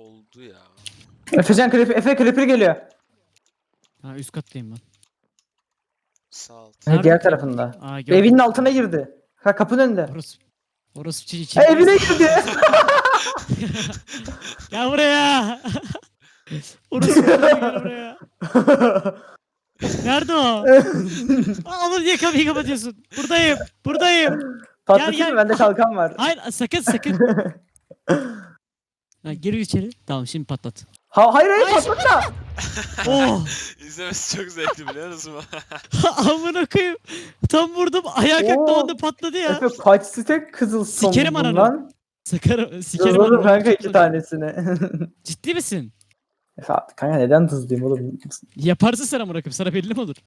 oldu ya. Efe creeper geliyor. Ha üst kattayım ben. Sağ alt. Nerede Diğer creeper? tarafında. Aa gördüm. Evinin altına girdi. Ha, kapının önünde. Orası Evine girdi. Gel buraya. Orası gel buraya. Nerede o? Aa, onu niye kapıyı kapatıyorsun? Buradayım. Patlatayım gel. mı? Bende kalkan var. Hayır sakın. Ha, gir içeri. Tamam şimdi patlat. Hayır patlatma. Oh. İzlemesi çok zevkli biliyor musun? Amına koyayım. Tam vurdum ayağa kalktı Oo. onda patladı ya. Efe kaç stek sikerim Sikerim ananı. lan. Sikerim Hızladım onu. kanka 2 tanesini. Ciddi misin? Efe kanka neden hızlıyım oğlum? Yaparsın sen amına koyayım. Sana belli mi olur?